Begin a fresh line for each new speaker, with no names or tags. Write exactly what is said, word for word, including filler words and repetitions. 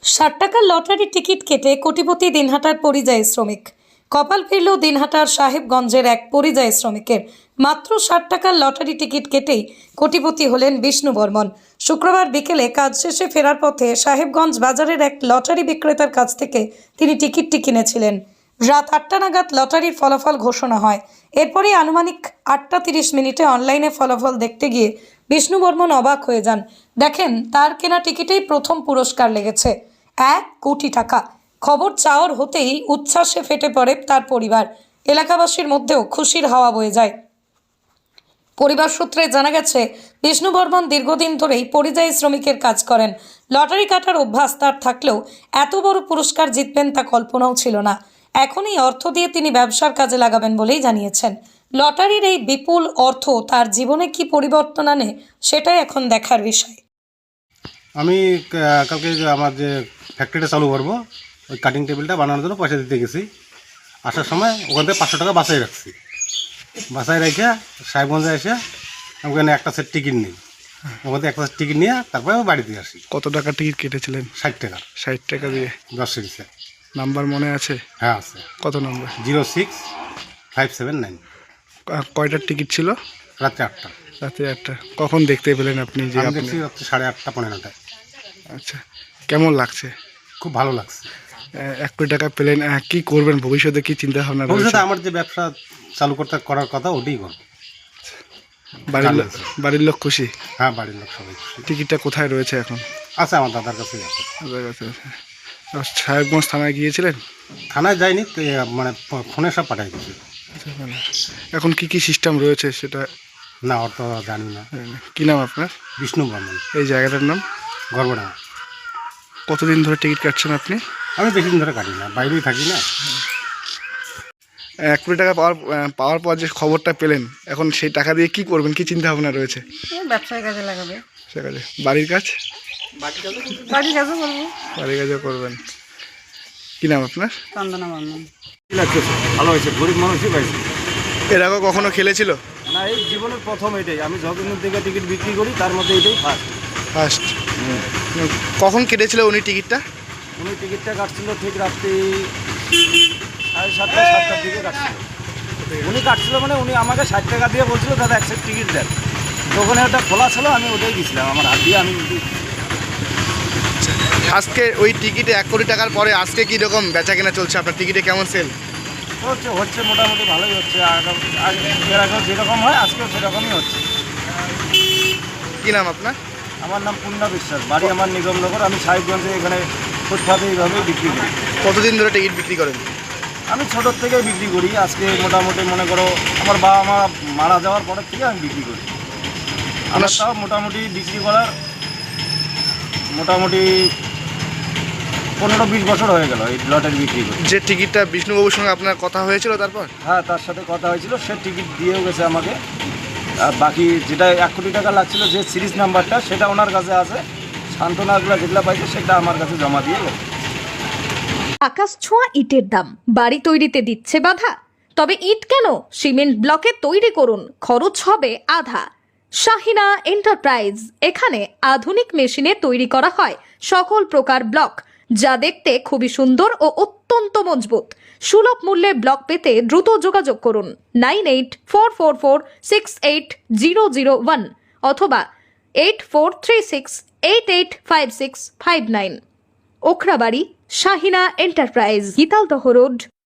ষাট টাকার lottery ticket কেটে কোটিপতি দিনহাটার পরিযায়ী শ্রমিক। কপাল ফিরল দিনহাটার সাহেবগঞ্জের এক পরিযায়ী শ্রমিকের। মাত্র ষাট টাকার লটারি টিকিট কেটেই কোটিপতি হলেন বিষ্ণু বর্মন। শুক্রবার বিকেলে কাজ শেষে ফেরার পথে সাহেবগঞ্জ বাজারের এক লটারি বিক্রেতার কাছ থেকে তিনি টিকিটটি কিনেছিলেন। রাত আটটা নাগাদ লটারির ফলাফল ঘোষণা হয়। এরপরই আনুমানিক আটটা তিরিশ মিনিটে অনলাইনে ফলাফল দেখতে গিয়ে বিষ্ণু বর্মন অবাক হয়ে যান। দেখেন তার কেনা টিকিটেই প্রথম পুরস্কার লেগেছে এক কোটি টাকা। খবর চাওয়ার হতেই উচ্ছ্বাসে ফেটে পড়ে তার পরিবার। এলাকাবাসীর মধ্যেও খুশির হাওয়া বয়ে যায়। পরিবার সূত্রে জানা গেছে, বিষ্ণু বর্মন দীর্ঘদিন ধরেই পরিযায়ী শ্রমিকের কাজ করেন। লটারি কাটার অভ্যাস তার থাকলেও এত বড় পুরস্কার জিতবেন তা কল্পনাও ছিল না। এখন এই অর্থ দিয়ে তিনি ব্যবসার কাজে লাগাবেন বলেই জানিয়েছেন। লটারির এই বিপুল অর্থ তার জীবনে কি পরিবর্তন আনে সেটাই এখন দেখার বিষয়।
আমি কালকে যে আমার যে ফ্যাক্টরিটা চালু করবো, ওই কাটিং টেবিলটা বানানোর জন্য পয়সা দিতে গেছি। আসার সময় ওখান থেকে পাঁচশো টাকা বাঁচাই রাখছি। বাঁচাই রেখে সাহেবগঞ্জে এসে আমি ওখানে একটা সেট টিকিট নিই। ওখান থেকে একটা সেট টিকিট নিয়ে তারপরে আমি বাড়িতে আসি।
কত টাকা টিকিট কেটেছিলেন?
ষাট টাকা।
ষাট টাকা দিয়ে
দশ সিরিজে।
নাম্বার মনে আছে?
হ্যাঁ আছে।
কত নম্বর?
Zero six five seven nine.
কয়টার টিকিট ছিল?
রাত্রে আটটা।
রাতে আটটা। কখন দেখতে পেলেন আপনি যে
আমি
আপনি?
দেখছি রাত্রে সাড়ে আটটা পনেরোটায়।
আচ্ছা, কেমন লাগছে?
খুব ভালো লাগছে।
এক কোটি টাকা পেলেন, কি করবেন ভবিষ্যতে, কি চিন্তা ভাবনা রয়েছে?
ভবিষ্যতে আমার যে ব্যবসা চালু করতে করার কথা ওটাই করবো।
বাড়ির লোক বাড়ির লোক খুশি?
হ্যাঁ, বাড়ির লোক সবাই খুশি।
টিকিটটা কোথায় রয়েছে এখন?
আছে আমার দাদার কাছেই আছে।
দাদার কাছে আছে। সাহেবগঞ্জ থানায় গিয়েছিলেন?
থানায় যাইনি, মানে ফোনে সব পাঠাই দিয়েছি।
এখন কি কি সিস্টেম রয়েছে সেটা?
না, ওর তো জানি না।
কি নাম আপনার?
বিষ্ণু বর্মন।
এই জায়গাটার নাম?
গর্বডাঙ্গা।
কতদিন ধরে টিকিট কাটছেন আপনি?
আমি বেশি দিন ধরে কাটি না, বাইরেই থাকি না।
এক কোটি টাকা পাওয়ার পাওয়ার পর যে খবরটা পেলেন, এখন সেই টাকা দিয়ে কি করবেন, কি চিন্তা ভাবনা রয়েছে?
ব্যবসার কাজে লাগাবে।
সে কাজে। বাড়ির কাজ?
বাড়ির কাজও করবো।
বাড়ির কাজও করবেন। কি নাম আপনার?
চন্দনা বর্মন।
ভালো হয়েছে, গরিব মানুষই পাইছে।
এর আগে কখনো খেলেছিল?
না, এই জীবনের প্রথম এটাই। আমি যতদিন থেকে টিকিট বিক্রি করি তার মধ্যে এটাই ফার্স্ট।
ফার্স্ট। কখন কেটেছিল উনি টিকিটটা?
উনি টিকিটটা কাটছিল ঠিক রাত্রি সাড়ে সাতটা সাতটার দিকে কাটছিল। উনি কাটছিল মানে উনি আমাকে ষাট টাকা দিয়ে বলছিল দাদা এক সেট টিকিট দেন। তখন ওটা খোলা ছিল, আমি ওটাই গেছিলাম আমার হাত দিয়ে। আমি
আজকে ওই টিকিটে এক কোটি টাকার পরে আজকে কী রকম বেচা কেনা চলছে আপনার? টিকিটে কেমন সেল
হচ্ছে? হচ্ছে মোটামুটি ভালোই হচ্ছে। আর এর আগেও যেরকম হয় আজকেও সেরকমই হচ্ছে।
কী নাম আপনার?
আমার নাম পূর্ণা বিশ্বাস, বাড়ি আমার নিগমনগর। আমি সাহেবগঞ্জে এখানে ফুটপাতে এইভাবেই বিক্রি করি।
কতদিন ধরে টিকিট বিক্রি করেন?
আমি ছোটোর থেকেই বিক্রি করি। আজকে মোটামুটি মনে করো আমার বাবা মা মারা যাওয়ার পরের থেকে আমি বিক্রি করি। আমার তাও মোটামুটি বিক্রি করার মোটামুটি পনেরো বিশ বছর হয়ে গেল এই লটারি বিক্রি করি।
যে টিকিটটা বিষ্ণুবাবুর সঙ্গে আপনার কথা হয়েছিল তারপর?
হ্যাঁ, তার সাথে কথা হয়েছিল, সে টিকিট দিয়েও গেছে আমাকে। আর বাকি যেটা এক কোটি টাকা লাগছিল, যে সিরিজ নাম্বারটা, সেটা ওনার কাছে আছে। সান্ত্বনাগুলো যেগুলো পাইছে সেটা আমার কাছে জমা দিয়ে গেছে।
আকাশ ছোঁয়া ইটের দাম বাড়ি তৈরিতে দিচ্ছে বাধা? তবে ইট কেন, সিমেন্ট ব্লকে তৈরি করুন, খরচ হবে আধা। শাহিনা এন্টারপ্রাইজ, এখানে আধুনিক মেশিনে তৈরি করা হয় সকল প্রকার ব্লক, যা দেখতে খুবই সুন্দর ও অত্যন্ত মজবুত। সুলভ মূল্যে ব্লক পেতে দ্রুত যোগাযোগ করুন nine eight four four four six eight zero zero one অথবা eight four three six eight eight five six five nine. Okhrabari, Shahina enterprise, Gitaldaha road,